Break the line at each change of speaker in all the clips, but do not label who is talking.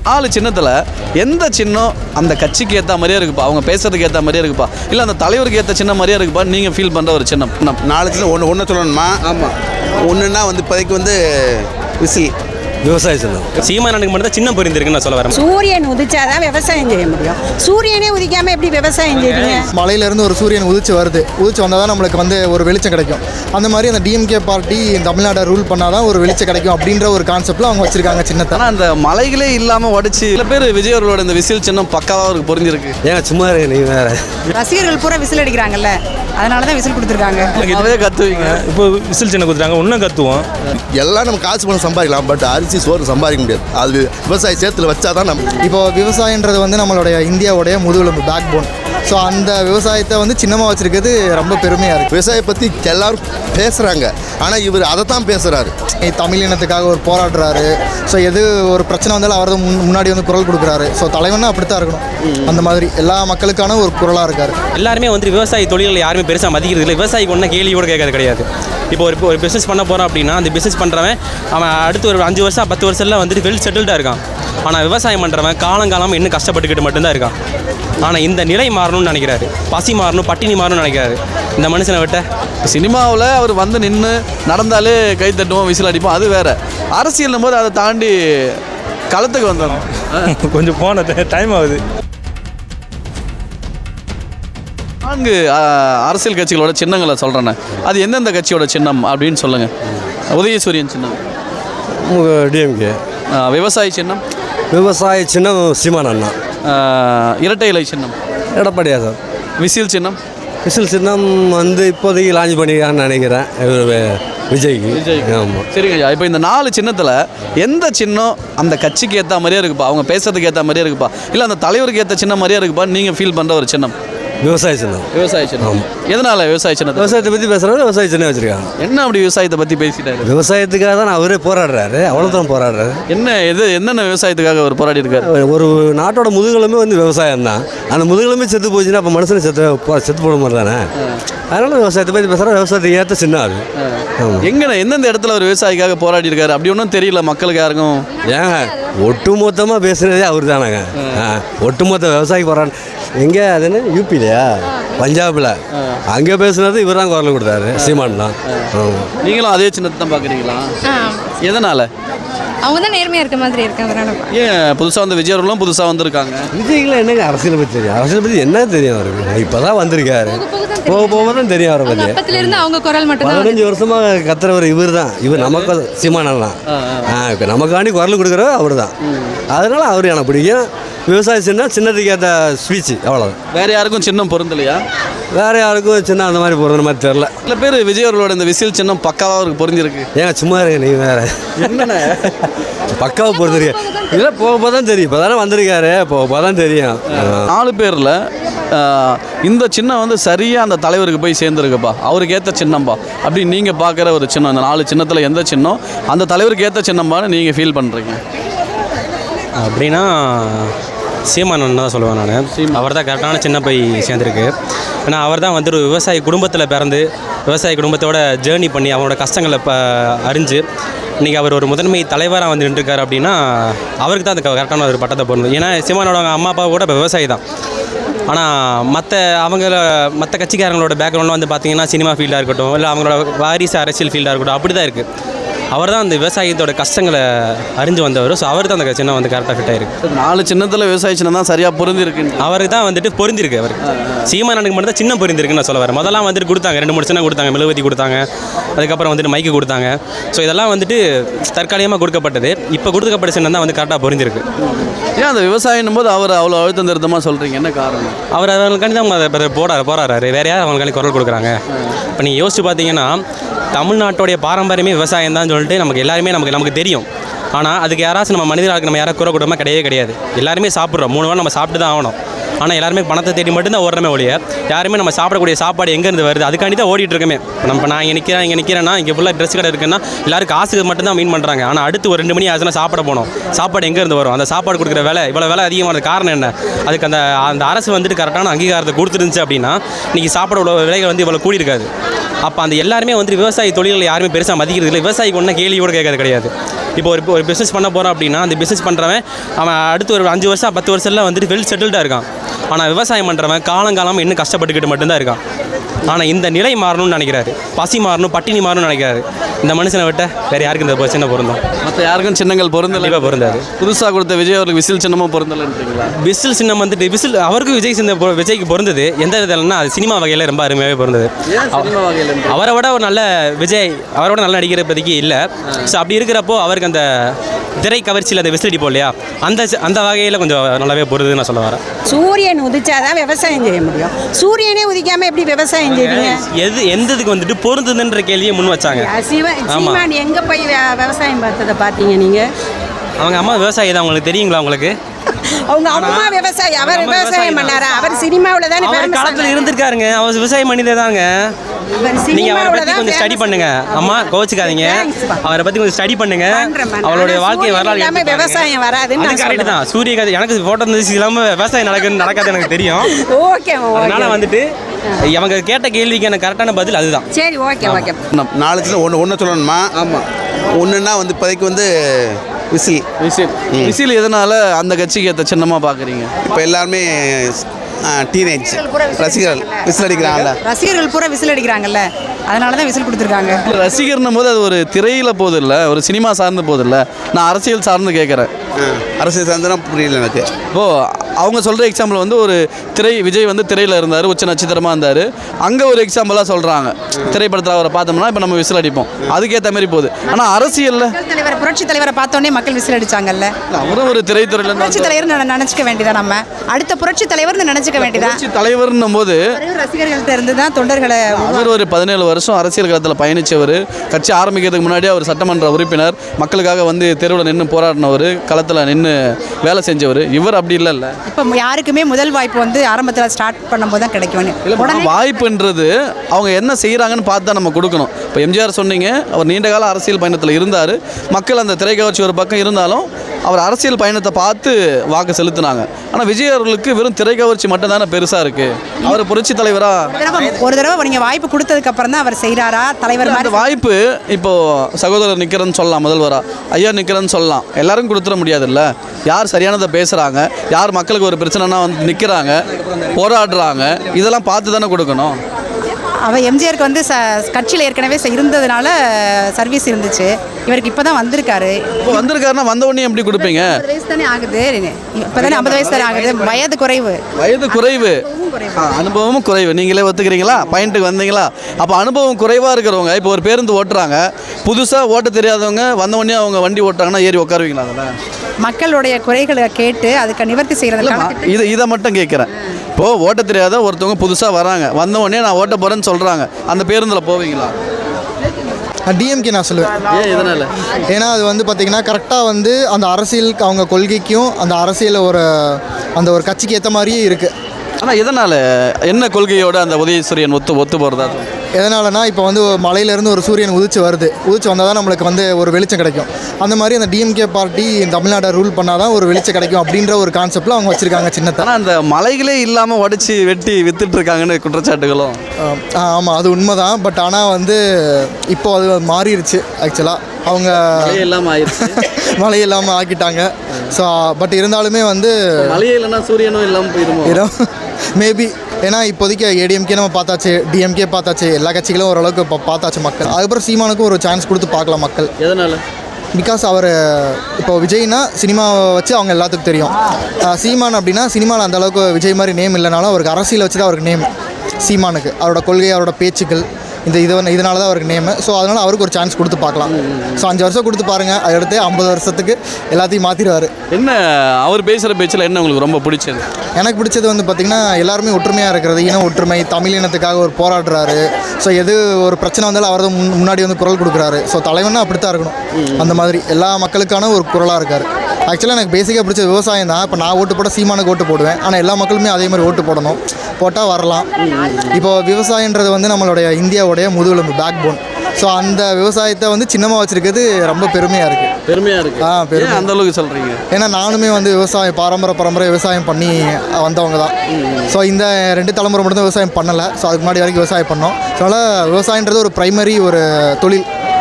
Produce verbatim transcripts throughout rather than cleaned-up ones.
நாலு சின்னத்தில் எந்த சின்னம் அந்த கட்சிக்கு ஏற்ற மாதிரியே இருக்குப்பா, அவங்க பேசுறதுக்கு ஏற்ற மாதிரியே இருக்குப்பா, இல்லை அந்த தலைவருக்கு ஏற்ற சின்ன மாதிரியே இருக்குப்பா நீங்கள் ஃபீல் பண்ணுற ஒரு சின்னம்?
நாலு சின்னம் ஒன்று ஒன்று சொல்லணுமா? ஆமாம். ஒன்றுன்னா வந்து இப்போதைக்கு வந்து விசில்
விவசாய சின்னம்.
சீமானுக்கு மட்டும் தான் சின்ன புரிந்திருக்குன்னு நான் சொல்ல வரேன்.
சூரியன் உதிச்சாதான் விவசாயம் செய்ய முடியும். சூரியனே உதிக்காமல் எப்படி விவசாயம் செய்வீங்க?
மலையிலேருந்து ஒரு சூரியன் உதிச்சு வருது, உதிச்சு வந்தால் தான் நம்மளுக்கு வந்து ஒரு வெளிச்சம் கிடைக்கும். அந்த மாதிரி அந்த டிஎம்கே பார்ட்டி தமிழ்நாட்டை ரூல் பண்ணால் தான் ஒரு வெளிச்சம் கிடைக்கும் அப்படின்ற ஒரு கான்செப்டில் அவங்க வச்சுருக்காங்க சின்னத்தை.
ஆனால் அந்த மலைகளே இல்லாமல் உடச்சி சில பேர் விஜய் அவர்களோட இந்த விசில் சின்னம் பக்காவாக அவருக்கு புரிஞ்சிருக்கு.
ஏங்க சும்மா இருக்கு நீ வேற.
ரசிகர்கள் பூரா விசில் அடிக்கிறாங்கல்ல, அதனால தான் விசில் கொடுத்துருக்காங்க.
அதே கத்துவீங்க.
இப்போ விசில் சின்ன கொடுத்துருக்காங்க, இன்னும் கத்துவோம்.
எல்லாம் நம்ம காசு பணம் சம்பாதிக்கலாம், பட் அரிசி சோறு சம்பாதிக்க முடியாது. அது விவசாய சேத்துல வச்சா தான் நம்ம.
இப்போ விவசாயன்றது வந்து நம்மளுடைய இந்தியாவுடைய முதுகெலும்பு, பேக் போன். ஸோ அந்த விவசாயத்தை வந்து சின்னமாக வச்சுருக்கிறது ரொம்ப பெருமையாக இருக்குது.
விவசாய பற்றி எல்லாரும் பேசுகிறாங்க, ஆனால் இவர் அதை தான் பேசுகிறாரு.
தமிழ் இனத்துக்காக ஒரு போராடுறாரு. ஸோ எது ஒரு பிரச்சனை வந்தாலும் அவர் முன் முன்னாடி வந்து குரல் கொடுக்குறாரு. ஸோ தலைவன்னா அப்படி தான் இருக்கணும். அந்த மாதிரி எல்லா மக்களுக்கான ஒரு குரலாக இருக்கார்.
எல்லாருமே வந்து விவசாய தொழில்கள் யாருமே பெருசாக மதிக்கிறது இல்லை. விவசாயிக்கு ஒன்றும் கேள்வியோடு கேட்கறது கிடையாது. இப்போ ஒரு ஒரு பிஸ்னஸ் பண்ண போகிறான் அப்படின்னா அந்த பிஸ்னஸ் பண்ணுறவன் அவன் அடுத்து ஒரு அஞ்சு வருஷம் பத்து வருஷம்லாம் வந்துட்டு வெல் செட்டில்டாக இருக்கான். ஆனால் விவசாயம் பண்ணுறவன் காலங்காலமாக இன்னும் கஷ்டப்பட்டுக்கிட்டு மட்டும்தான் இருக்கான். ஆனால் இந்த நிலை மாறணும்னு நினைக்கிறாரு, பசி மாறணும், பட்டினி மாறணும்னு நினைக்கிறாரு இந்த மனுஷனை விட்ட.
சினிமாவில் அவர் வந்து நின்று நடந்தாலே கை தட்டுவோம், விசில் அடிப்போம், அது வேற. அரசியல் போது அதை தாண்டி களத்துக்கு வந்துடும்.
கொஞ்சம் போன டைம் ஆகுது.
நான்கு அரசியல் கட்சிகளோட சின்னங்களை சொல்கிறேண்ணே, அது எந்தெந்த கட்சியோட சின்னம் அப்படின்னு சொல்லுங்கள். உதயசூரியன் சின்னம்
டிஎம்கே.
விவசாய சின்னம்
விவசாய சின்னம் சீமான் அண்ணா.
இரட்டை இலை சின்னம்
எடப்பாடியா சார்.
விசில் சின்னம்
விசில் சின்னம் வந்து இப்போதைக்கு லான்ச் பண்ணிக்கிறான்னு நினைக்கிறேன் விஜய்க்கு.
விஜய்க்கு.
ஆமாம்.
சரிங்க ஐயா, இப்போ இந்த நாலு சின்னத்தில் எந்த சின்னம் அந்த கட்சிக்கு ஏற்ற மாதிரியே இருக்குப்பா, அவங்க பேசுறதுக்கு ஏற்ற மாதிரியே இருக்குப்பா, இல்லை அந்த தலைவருக்கு ஏற்ற சின்ன மாதிரியே இருக்குப்பா நீங்கள் ஃபீல் பண்ணுற ஒரு சின்னம்?
விவசாய சின்னம்.
விவசாய சின்னம். எதனால விவசாய சின்னம்?
விவசாயத்தை பற்றி பேசுகிறாரு, விவசாய சின்னம் வச்சுருக்காங்க.
என்ன அப்படி விவசாயத்தை பற்றி பேசிட்டாரு?
விவசாயத்துக்காக தான் அவரே போராடுறாரு, அவ்வளோதான் போராடுறாரு.
என்ன எது என்னென்ன விவசாயத்துக்காக அவர் போராடி இருக்காரு?
ஒரு நாட்டோட முதுகெலுமே வந்து விவசாயம் தான். அந்த முதுகெலுமே செத்து போச்சுன்னா அப்போ மனுஷனை செத்து செத்து போட மாதிரி தானே. அதனால் விவசாயத்தை பற்றி பேசுகிறா, விவசாயத்துக்கு ஏற்ற சின்னம் அது.
எங்கண்ணே எந்தெந்த இடத்துல ஒரு விவசாயிக்காக போராடி இருக்காரு அப்படி ஒன்றும் தெரியல மக்களுக்கு யாருக்கும்.
ஏங்க ஒட்டு மொத்தமாக பேசுனதே அவர் தானேங்க. ஒட்டுமொத்த விவசாயி போராட எங்கே அதுன்னு யூபிலையா பஞ்சாபில் அங்கே பேசுனது இவர் தான் குரல் கொடுத்தாரு, சீமான் தான்.
நீங்களும் அதே சின்னத்தை தான் பார்க்குறீங்களா? எதனால்?
அவங்க தான் நேர்மையாக இருக்க மாதிரி இருக்காங்க.
ஏன் புதுசாக வந்து விஜய் அவர்களும் புதுசாக வந்திருக்காங்க?
விஜய்க்குலாம் என்னங்க அரசியலை பற்றி தெரியும்? அரசியலை பற்றி என்ன தெரியும் அவருக்கு? இப்போ தான் வந்திருக்காரு, போக போக தான் தெரியும் அவரை பற்றி.
அப்பத்திலிருந்து அவங்க குரல் மட்டும் தான்.
பதினஞ்சு வருஷமாக கத்துறவர் இவர் தான். இவர் நமக்கு சீமானெல்லாம் இப்போ நமக்காண்டி குரல் கொடுக்குறவர் அவர் தான். அதனால அவர் எனக்கு பிடிக்கும். விவசாய சின்ன சின்னத்துக்கு ஏற்ற ஸ்பீச்சு அவ்வளோதான்.
வேறு யாருக்கும் சின்னம் பொருந்தலையா?
வேறு யாருக்கும் சின்ன அந்த மாதிரி பொருந்த மாதிரி தெரில.
சில பேர் விஜய் அவர்களோட இந்த விசில் சின்னம் பக்காவாக அவருக்கு பொருந்திருக்கு.
ஏங்க சும்மா இருங்க நீ வேறு.
என்னென்ன
பக்காவாக பொருந்திருக்கு இல்லை, போக போக தான் தெரியும். இப்போ தானே வந்திருக்காரு, போக போக தான் தெரியும்.
நாலு பேரில் இந்த சின்னம் வந்து சரியாக அந்த தலைவருக்கு போய் சேர்ந்துருக்குப்பா, அவருக்கு ஏற்ற சின்னம்பா அப்படின்னு நீங்கள் பார்க்குற ஒரு சின்னம். அந்த நாலு சின்னத்தில் எந்த சின்னம் அந்த தலைவருக்கு ஏற்ற சின்னம்பான்னு நீங்கள் ஃபீல் பண்ணுறீங்க?
அப்படின்னா சீமானன் தான் சொல்லுவேன் நான். அவர் தான் கரெக்டான சின்ன போய் சேர்ந்துருக்கு. ஏன்னா அவர் தான் வந்து ஒரு விவசாய குடும்பத்தில் பிறந்து விவசாய குடும்பத்தோட ஜேர்னி பண்ணி அவனோட கஷ்டங்களை இப்போ அறிஞ்சு இன்றைக்கி அவர் ஒரு முதன்மை தலைவராக வந்து நின்றுருக்கார். அப்படின்னா அவருக்கு தான் அந்த கரெக்டான ஒரு பட்டத்தை போடணும். ஏன்னா சீமானோட அம்மா அப்பா கூட இப்போ விவசாயி தான். ஆனால் மற்ற அவங்கள மற்ற கட்சிக்காரங்களோட பேக்ரவுண்டில் வந்து பார்த்திங்கன்னா சினிமா ஃபீல்டாக இருக்கட்டும், இல்லை அவங்களோட வாரிசு அரசியல் ஃபீல்டாக இருக்கட்டும், அப்படி தான் இருக்குது. அவர் தான் அந்த விவசாயத்தோட கஷ்டங்களை அறிஞ்சு வந்தவர். ஸோ அவர் தான் அந்த சின்னம் வந்து கரெக்டாக ஃபிட் ஆகிருக்கு.
நாலு சின்னத்தில் விவசாய சின்னம் தான் சரியாக பொருந்திருக்கு.
அவருக்கு தான் வந்துட்டு பொருந்திருக்கு. அவருக்கு சீமானுக்கு மட்டும் தான் சின்னம் பொருந்திருக்குன்னு நான் சொல்ல வரேன். முதல்லாம் வந்துட்டு கொடுத்தாங்க, ரெண்டு மூணு சின்னம் கொடுத்தாங்க, மெழுகுவர்த்தி கொடுத்தாங்க, அதுக்கப்புறம் வந்துட்டு மைக்கு கொடுத்தாங்க. ஸோ இதெல்லாம் வந்துட்டு தற்காலிகமாக கொடுக்கப்பட்டது. இப்போ கொடுக்கப்பட்ட சின்னம் தான் வந்து கரெக்டாக பொருந்திருக்கு.
ஏன் அந்த விவசாயம் போது அவர் அவ்வளோ அழுத்தம் திருத்தமாக சொல்கிறீங்க, என்ன காரணம்?
அவர் அவங்களுக்காண்டி தான் போராட போராடுறாரு வேறு யார் அவங்களுக்காண்டி குரல் கொடுக்குறாங்க? இப்போ நீங்கள் யோசிச்சு பார்த்தீங்கன்னா தமிழ்நாட்டோடைய பாரம்பரியமே விவசாயம் தான் சொல்லிட்டு நமக்கு எல்லாருமே நமக்கு நமக்கு தெரியும். ஆனால் அதுக்கு யாராச்சும் நம்ம மனிதர்களுக்கு நம்ம யாராவது குறை கொடுமா கிடையவே கிடையாது. எல்லாருமே சாப்பிட்றோம், மூணு வாரம் நம்ம சாப்பிட்டு தான் ஆகணும். ஆனால் எல்லாருமே பணத்தை தேடி மட்டும்தான் ஓடுறமே ஒழிய யாருமே நம்ம சாப்பிடக்கூடிய சாப்பாடு எங்கேருந்து வருது அதுக்காண்டி தான் ஓடிட்டு இருக்கமே. நம்ம நான் இங்கே நிற்கிறேன் இங்கே நிற்கிறேன்னா இங்கே ஃபுல்லாக ட்ரெஸ் கடை இருக்குன்னா எல்லாரும் காசுக்கு மட்டும்தான் மீன் பண்ணுறாங்க. ஆனால் அடுத்து ஒரு ரெண்டு மணி ஆச்சுன்னா சாப்பிட போகணும். சாப்பாடு எங்கேருந்து வரும்? அந்த சாப்பாடு கொடுக்குற விலை இவ்வளோ விலை அதிகமான காரணம் என்ன? அதுக்கு அந்த அந்த அரசு வந்துட்டு கரெக்டான அங்கீகாரத்தை கொடுத்துருந்துச்சு அப்படின்னா இன்றைக்கி சாப்பாடு உள்ள விலைகள் வந்து இவ்வளோ கூடி இருக்காது. அப்போ அந்த எல்லாருமே வந்து விவசாய தொழில்கள் யாருமே பெருசாக மதிக்கிறது இல்லை. விவசாயிக்கு ஒன்றும் கேள்வியோடு கேட்கறது கிடையாது. இப்போ ஒரு ஒரு பிஸ்னஸ் பண்ண போகிறோம் அப்படின்னா அந்த பிஸ்னஸ் பண்ணுறவன் அவன் அடுத்து ஒரு அஞ்சு வருஷம் பத்து வருஷத்தில் வந்துட்டு வெல் செட்டில்டாக இருக்கான். ஆனால் விவசாயம் பண்ணுறவன் காலங்காலமாக இன்னும் கஷ்டப்பட்டுக்கிட்டு மட்டும்தான் இருக்கான். ஆனால் இந்த நிலை மாறணும்னு நினைக்கிறாரு, பசி மாறணும், பட்டினி மாறணும்னு நினைக்கிறாரு. இந்த மனுஷனை விட்ட வேறு யாருக்கு இந்த சின்ன பொருந்தும்?
மற்ற யாருக்கும் சின்னங்கள் பொருந்தலை.
கண்டிப்பாக பொருந்தாது.
புதுசாக கொடுத்த விஜய் அவருக்கு விசில் சின்னமும் பொருந்தலைன்றீங்களா?
விசில் சின்னம் வந்துட்டு விசில் அவருக்கும் விஜய் சின்ன பொ- விஜய்க்கு பொருந்தது. எந்த விதம்னா அது சினிமா வகையில் ரொம்ப அருமையாகவே பொருந்தது. அவரை விட ஒரு நல்ல விஜய் அவரை விட நல்ல நடிக்கிற இப்போதைக்கு இல்லை. ஸோ அப்படி இருக்கிறப்போ அவருக்கு அந்த திரை கவர்ச்சியில் அந்த விசில் அடிப்போம் இல்லையா, அந்த அந்த வகையில் கொஞ்சம் நல்லாவே பொருதுன்னு நான் சொல்ல வரேன்.
சூரியன் உதிச்சாதான் விவசாயம் செய்ய முடியும். சூரியனே உதிக்காம எப்படி விவசாயம் செய்வீங்க?
எது எந்த இதுக்கு வந்துட்டு பொருந்துதுன்ற கேள்வியை முன் வச்சாங்க.
சிவ- சீமான் எங்க போய் வி- விவசாயம் பார்த்ததை பார்த்தீங்க நீங்க?
அவங்க அம்மா விவசாயி தான், உங்களுக்கு தெரியுங்களா? உங்களுக்கு
அவங்க அம்மா விவசாயி, அவர்
அம்மா
விவசாயம்
விவசாயி
பண்ணாரா? அவர் சினிமாவில் தானே
அவர்
famous
காலத்தில்
ஆனாரு.
இருந்திருக்காருங்க, அவர் விவசாயம் பண்ணிதே தாங்க.
அவர்
நீங்க அவரை
சினிமாவுல
பத்தி
தான்
கொஞ்சம் ஸ்டடி
famous.
பண்ணுங்க. அம்மா கோச்சுக்காதீங்க,
Thanks பா.
அவரை பத்தி கொஞ்சம் ஸ்டடி பண்ணுங்க.
பண்றேன், பண்றேன்.
அவருடைய
ஆனா
வாழ்க்கை
சூரியன்
வரலாறு
இல்லாம
எடுத்து பாருங்க.
விவசாயம் வராதுன்னு
அது
நான்
கரெக்ட்
சொல்றேன்.
தான். சூரிய கதை எனக்கு ஃபோட்டோ இருந்துச்சு இல்லாமல் விவசாயம் நடக்குன்னு நடக்காது எனக்கு தெரியும்.
ஓகே
அதனால
ஓகே
வந்துட்டு அவங்க கேட்ட கேள்விக்கு எனக்கு கரெக்டான பதில் அதுதான்.
சரி ஓகே ஓகே.
நாலு சின்ன ஒன்று ஒன்று சொல்லணுமா? ஆமாம். ஒன்றுன்னா வந்து இப்போதைக்கு வந்து விசில்.
விசில் விசில் எதனால அந்த கட்சிக்கு ஏற்ற சின்னமாக பார்க்குறீங்க?
இப்போ எல்லாருமே டீனேஜ் ரசிகர்கள் விசில் அடிக்கிறாங்கல்ல.
ரசிகர்கள் பூரா விசில் அடிக்கிறாங்கல்ல, அதனால தான் விசில் கொடுத்துருக்காங்க.
ரசிகர்னும் போது அது ஒரு திரையில் போது இல்லை, ஒரு சினிமா சார்ந்து போது இல்லை. நான் அரசியல் சார்ந்து கேட்குறேன்.
அரசியல் சார்ந்தனா புரியல எனக்கு.
இப்போது அவங்க சொல்கிற எக்ஸாம்பிள் வந்து ஒரு திரை விஜய் வந்து திரையில் இருந்தார், உச்ச நட்சத்திரமாக இருந்தார். அங்கே ஒரு எக்ஸாம்பிளாக சொல்கிறாங்க. திரைப்படத்தில் அவரை பார்த்தோம்னா இப்போ நம்ம விசில் அடிப்போம், அதுக்கேற்ற மாதிரி போகுது. ஆனால் அரசியலில்
மக்கள் தலைவர் புரட்சி தலைவரை பார்த்தோன்னே மக்கள் விசில் அடிச்சாங்கல்ல.
அவரும் ஒரு திரைத்துறையில்
புரட்சி தலைவர் நினைச்சுக்க வேண்டியதான், நம்ம அடுத்த புரட்சி தலைவர்னு நினைச்சுக்க வேண்டியதான்.
புரட்சி தலைவர்னும் போது
ரசிகர்கள்ட்ட இருந்து தான் தொண்டர்களை
அவர் ஒரு பதினேழு வருஷம் அரசியல் களத்தில் பயணித்தவர். கட்சி ஆரம்பிக்கிறதுக்கு முன்னாடி அவர் சட்டமன்ற உறுப்பினர், மக்களுக்காக வந்து தெருவில் நின்று போராடினவர், களத்தில் நின்று வேலை செஞ்சவர். இவர் அப்படி இல்லைல்ல.
இப்போ யாருக்குமே முதல் வாய்ப்பு வந்து ஆரம்பத்தில் ஸ்டார்ட் பண்ணும்போது தான் கிடைக்கும்.
உடனே வாய்ப்புன்றது அவங்க என்ன செய்கிறாங்கன்னு பார்த்து தான் நம்ம கொடுக்கணும். இப்போ எம்ஜிஆர் சொன்னீங்க, அவர் நீண்ட கால அரசியல் பயணத்தில் இருந்தார். மக்கள் அந்த திரைக்கவர்ச்சி ஒரு பக்கம் இருந்தாலும் அவர் அரசியல் பயணத்தை பார்த்து வாக்கு செலுத்தினாங்க. ஆனால் விஜய் அவர்களுக்கு வெறும் திரைக்கவர்ச்சி மட்டும் தானே பெருசாக இருக்குது. அவர் புரட்சி தலைவராக
ஒரு தடவை நீங்கள் வாய்ப்பு கொடுத்ததுக்கு அப்புறம் தான் அவர் செய்கிறாரா தலைவர்
அந்த
மாதிரி?
வாய்ப்பு இப்போது சகோதரர் நிற்கிறேன்னு சொல்லலாம், முதல்வரா ஐயா நிற்கிறேன்னு சொல்லலாம். எல்லாரும் கொடுத்துட முடியாதுல்ல. யார் சரியானதை பேசுகிறாங்க, யார் மக்களுக்கு ஒரு பிரச்சனைனா வந்து நிற்கிறாங்க, போராடுறாங்க, இதெல்லாம் பார்த்து தானே கொடுக்கணும்.
அவ எம்ஜிஆருக்கு வந்து ச கட்சியில் ஏற்கனவே ச- இருந்ததுனால சர்வீஸ் இருந்துச்சு. இவருக்கு இப்போ தான் வந்திருக்காரு.
இப்போ வந்திருக்காருன்னா வந்த உடனே எப்படி கொடுப்பீங்க?
ஐம்பது வயசு தானே ஆகுது, இப்போ தானே ஐம்பது வயசு தானே ஆகுது, வயது குறைவு.
வயது குறைவு, ஆ, அனுபவமும் குறைவு. நீங்களே ஒத்துக்கிறீங்களா? பாயிண்ட்டுக்கு வந்தீங்களா? அப்போ அனுபவம் குறைவாக இருக்கிறவங்க இப்போ ஒரு பேருந்து ஓட்டுறாங்க, புதுசாக ஓட்ட தெரியாதவங்க வந்த உடனே அவங்க வண்டி ஓட்டுறாங்கன்னா ஏறி உட்காருவீங்களா? அதில்
மக்களுடைய குறைகளை கேட்டு அதுக்கு நிவர்த்தி செய்கிறதுக்கான
இதை இதை மட்டும் கேட்குறேன். இப்போது ஓட்ட தெரியாத ஒருத்தவங்க புதுசாக வராங்க, வந்த உடனே நான் ஓட்ட போகிறேன்னு சொல்கிறாங்க, அந்த பேருந்தில் போவீங்களா?
டிஎம்கே நான் சொல்லுவேன்.
ஏன் இதனால்?
ஏன்னா அது வந்து பார்த்திங்கன்னா கரெக்டாக வந்து அந்த அரசியலுக்கு அவங்க கொள்கைக்கும் அந்த அரசியல் ஒரு அந்த ஒரு கட்சிக்கு ஏற்ற மாதிரியே இருக்குது.
ஆனால் இதனால் என்ன கொள்கையோட அந்த உதயசூரியன் ஒத்து ஒத்து போகிறதா?
எதனாலனா இப்போ வந்து மலையிலேருந்து ஒரு சூரியன் உதிச்சு வருது, உதிச்சு வந்தால் தான் நம்மளுக்கு வந்து ஒரு வெளிச்சம் கிடைக்கும். அந்த மாதிரி அந்த டிஎம்கே பார்ட்டி தமிழ்நாட்டை ரூல் பண்ணால் தான் ஒரு வெளிச்சம் கிடைக்கும் அப்படின்ற ஒரு கான்செப்டில் அவங்க வச்சுருக்காங்க சின்னத்தை.
ஆனால் அந்த மலைகளே இல்லாமல் உடச்சி வெட்டி வித்துட்டு இருக்காங்கன்னு குற்றச்சாட்டுகளும்.
ஆமாம், அது உண்மை தான். பட் ஆனால் வந்து இப்போ அது மாறிடுச்சு. ஆக்சுவலாக அவங்க
மழையே இல்லாமல் ஆயிடுச்சு.
மழை இல்லாமல் ஆக்கிட்டாங்க. ஸோ பட் இருந்தாலுமே வந்து
மழையே இல்லைன்னா சூரியனும் இல்லாமல் போயிடுமோ?
மேபி ஏன்னா இப்போதைக்கு ஏடிஎம்கே நம்ம பார்த்தாச்சு, டிஎம்கே பார்த்தாச்சு, எல்லா கட்சிகளும் ஓரளவுக்கு இப்போ பார்த்தாச்சு மக்கள். அதுக்கப்புறம் சீமானுக்கும் ஒரு சான்ஸ் கொடுத்து பார்க்கலாம் மக்கள்.
எதனால்?
பிகாஸ் அவர் இப்போ விஜய்னா சினிமாவை வச்சு அவங்க எல்லாத்துக்கும் தெரியும். சீமான் அப்படின்னா சினிமாவில் அந்தளவுக்கு விஜய் மாதிரி நேம் இல்லைனாலும் அவருக்கு அரசியலை வச்சு தான் அவருக்கு நேம். சீமானுக்கு அவரோட கொள்கை, அவரோட பேச்சுக்கள், இந்த இது இதனால தான் அவருக்கு நேமு. ஸோ அதனால் அவருக்கு ஒரு சான்ஸ் கொடுத்து பார்க்கலாம். ஸோ அஞ்சு வருஷம் கொடுத்து பாருங்கள், அடுத்து ஐம்பது வருஷத்துக்கு எல்லாத்தையும் மாற்றிடுவார்.
என்ன அவர் பேசுகிற பேச்சில் என்ன உங்களுக்கு ரொம்ப பிடிச்சது?
எனக்கு பிடிச்சது வந்து பார்த்திங்கன்னா எல்லாருமே ஒற்றுமையாக இருக்கிறது, இன ஒற்றுமை, தமிழ் இனத்துக்காக ஒரு போராடுறாரு. ஸோ எது ஒரு பிரச்சனை வந்தாலும் அவர் தான் முன் முன்னாடி வந்து குரல் கொடுக்குறாரு. ஸோ தலைவனா அப்படி தான் இருக்கணும். அந்த மாதிரி எல்லா மக்களுக்கான ஒரு குரலாக இருக்கார். ஆக்சுவலாக எனக்கு பேசிக்காக பிடிச்ச விவசாயம் தான். இப்போ நான் ஓட்டு போட சீமானுக்கு ஓட்டு போடுவேன். ஆனால் எல்லா மக்களுமே அதே மாதிரி ஓட்டு போடணும், போட்டால் வரலாம். இப்போது விவசாயன்றது வந்து நம்மளுடைய இந்தியாவுடைய முதுகெலும்பு, பேக் போன். ஸோ அந்த விவசாயத்தை வந்து சின்னமாக வச்சுருக்கிறது ரொம்ப பெருமையாக இருக்குது.
பெருமையாக இருக்குது.
ஆ பெருமை.
அந்த அளவுக்கு சொல்கிறீங்க?
ஏன்னா நானுமே வந்து விவசாயம் பாரம்பரிய பரம்பரை விவசாயம் பண்ணி வந்தவங்க தான். ஸோ இந்த ரெண்டு தலைமுறை மட்டும் தான் விவசாயம் பண்ணலை. ஸோ அதுக்கு முன்னாடி வரைக்கும் விவசாயம் பண்ணோம். ஸோ அதனால் விவசாயன்றது ஒரு ப்ரைமரி ஒரு தொழில்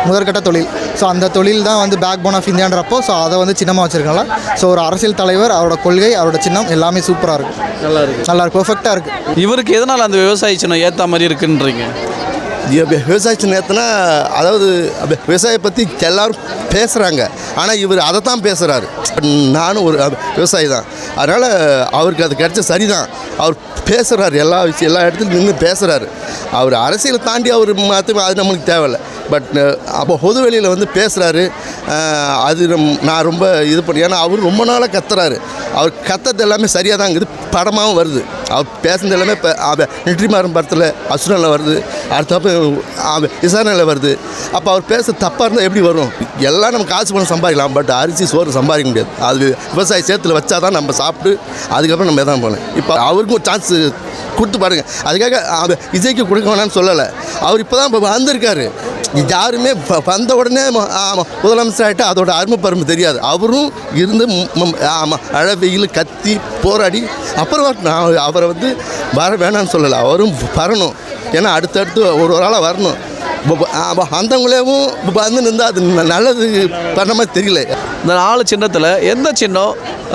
முதற்கட்ட தொழில். ஸோ அந்த தொழில் தான் வந்து பேக் போன் ஆஃப் இந்தியான்றப்போ ஸோ அதை வந்து சின்னமாக வச்சுருக்கனால ஸோ ஒரு அரசியல் தலைவர், அவரோட கொள்கை, அவரோட சின்னம் எல்லாமே சூப்பராக இருக்குது.
நல்லா இருக்கு.
நல்லா இருக்கு, பெர்ஃபெக்டாக இருக்குது.
இவருக்கு எதனால் அந்த விவசாய சின்னம் ஏற்ற மாதிரி இருக்குன்றீங்க?
விவசாயத்தை நேற்றுனா அதாவது அப்ப விவசாயம் பற்றி எல்லாரும் பேசுகிறாங்க, ஆனால் இவர் அதை தான் பேசுகிறாரு. நானும் ஒரு விவசாயி தான், அதனால் அவருக்கு அது கிடைச்ச சரிதான். அவர் பேசுகிறாரு, எல்லா விஷயம் எல்லா இடத்துலையும் நின்று பேசுகிறாரு. அவர் அரசியலை தாண்டி அவர் மாற்ற அது நம்மளுக்கு தேவையில்லை. பட் அப்போ பொது வெளியில் வந்து பேசுகிறாரு. அது நம் நான் ரொம்ப இது பண்ணி, ஏன்னா அவர் ரொம்ப நாளாக கத்துறாரு. அவர் கத்துறது எல்லாமே சரியாக தான் இருக்குது, படமாகவும் வருது. அவர் பேசுனது எல்லாமே இப்போ நெற்றிமாறன் படத்தில் அசுரனில் வருது, அடுத்தப்போ விசாரணையில் வருது. அப்போ அவர் பேச தப்பாக இருந்தால் எப்படி வரும்? எல்லாம் நம்ம காசு பணம் சம்பாதிக்கலாம், பட் அரிசி சோறு சம்பாதிக்க முடியாது. அது விவசாய சேத்துல வச்சா தான் நம்ம சாப்பிட்டு அதுக்கப்புறம் நம்ம எதாவது போகலாம். இப்போ அவருக்கும் ஒரு சான்ஸ் கொடுத்து பாருங்கள். அதுக்காக அவர் விஜய்க்கு கொடுக்க வேணான்னு சொல்லலை. அவர் இப்போ தான் இப்போ வந்திருக்காரு. யாருமே வந்த உடனே ஆமாம் முதலமைச்சர் ஆகிட்டு அதோட அருமை பருமை தெரியாது. அவரும் இருந்து ஆமாம் அழ வெயில் கத்தி போராடி அப்புறம் நான் அவரை வந்து வர வேணான்னு சொல்லலை. அவரும் வரணும், ஏன்னா அடுத்தடுத்து ஒரு ஒரு ஆளாக வரணும். அந்தவங்களேவும் வந்து நின்று அது நல்லது பண்ண மாதிரி தெரியல.
இந்த நாலு சின்னத்தில் எந்த சின்னம்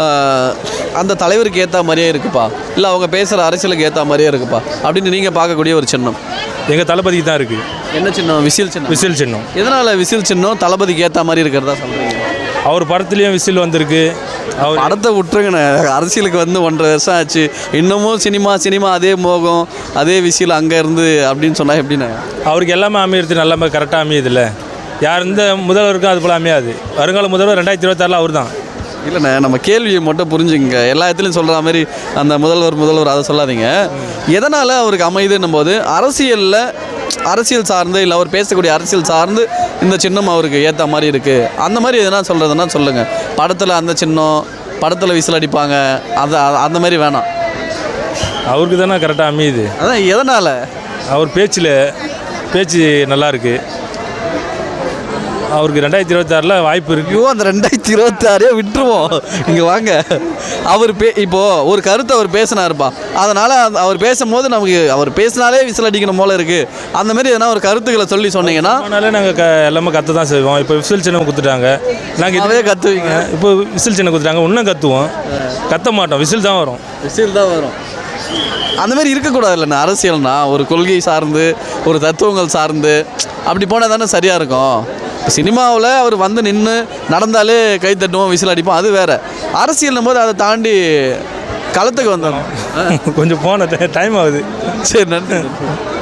அந்த தலைவருக்கு ஏற்ற மாதிரியே இருக்குப்பா, இல்லை அவங்க பேசுகிற அரசியலுக்கு ஏற்ற மாதிரியே இருக்குப்பா அப்படின்னு நீங்கள் பார்க்கக்கூடிய ஒரு சின்னம்?
எங்கள் தளபதிக்கு தான் இருக்குது.
என்ன சின்னம்? விசில் சின்னம்.
விசில் சின்னம்.
எதனால் விசில் சின்னம் தளபதிக்கு ஏற்ற மாதிரி இருக்கிறதா சொல்கிறீங்க?
அவர் படத்துலேயும் விசில் வந்திருக்கு. அவர்
படத்தை விட்டுருங்கண்ணே, அரசியலுக்கு வந்து ஒன்றரை வருஷம் ஆச்சு, இன்னமும் சினிமா சினிமா அதே மோகம் அதே விசில் அங்கே இருந்து அப்படின்னு சொன்னால் எப்படிண்ணே?
அவருக்கு எல்லாமே அமையிறது நல்லாமே கரெக்டாக அமையுதில்ல. யார் இந்த முதல்வருக்கும் அது போல் அமையாது. வருங்கால முதல்வர் ரெண்டாயிரத்தி இருபத்தாறில் அவர் தான்.
இல்லைண்ணே, நம்ம கேள்வியை மட்டும் புரிஞ்சுங்க. எல்லா இடத்துலையும் சொல்கிற மாதிரி அந்த முதல்வர் முதல்வர் அதை சொல்லாதீங்க. எதனால் அவருக்கு அமையுதுன்னும் போது அரசியலில் அரசியல் சார்ந்து இல்லை அவர் பேசக்கூடிய அரசியல் சார்ந்து இந்த சின்னம் அவருக்கு ஏற்ற மாதிரி இருக்குது. அந்த மாதிரி எதனா சொல்கிறதுனா சொல்லுங்கள். படத்தில் அந்த சின்னம், படத்தில் விசில் அடிப்பாங்க, அது அந்த மாதிரி வேணாம்.
அவருக்கு தானே கரெக்டாக அமையுது.
அதான் எதனால்?
அவர் பேச்சில் பேச்சு நல்லாயிருக்கு. அவருக்கு ரெண்டாயிரத்தி இருபத்தாறில் வாய்ப்பு இருக்குது.
ஐயோ, அந்த ரெண்டாயிரத்தி இருபத்தாறே விட்டுருவோம். இங்கே வாங்க. அவர் பே இப்போது ஒரு கருத்தை அவர் பேசினாருப்பா, அதனால் அவர் பேசும்போது நமக்கு அவர் பேசினாலே விசில் அடிக்கணும் போல இருக்குது. அந்த மாதிரி எதனா ஒரு கருத்துக்களை சொல்லி சொன்னீங்கன்னா
அதனால நாங்கள் க எல்லாமே கற்று தான் செய்வோம். இப்போ விசில் சின்னம் கொடுத்துட்டாங்க, நாங்கள் இதே
கற்றுவீங்க.
இப்போ விசில் சின்னம் கொடுத்துட்டாங்க, இன்னும் கற்றுவோம். கத்த மாட்டோம், விசில் தான் வரும்.
விசில் தான் வரும். அந்த மாதிரி இருக்கக்கூடாது இல்லைண்ணா. அரசியல்னா ஒரு கொள்கை சார்ந்து ஒரு தத்துவங்கள் சார்ந்து அப்படி போனால் தானே சரியாக இருக்கும். இப்போ சினிமாவில் அவர் வந்து நின்று நடந்தாலே கை தட்டுவோம், விசில் அடிப்போம், அது வேறு. அரசியல்னும் போது அதை தாண்டி களத்துக்கு வந்துடணும்.
கொஞ்சம் போன டைம் ஆகுது.
சரி, நன்றி.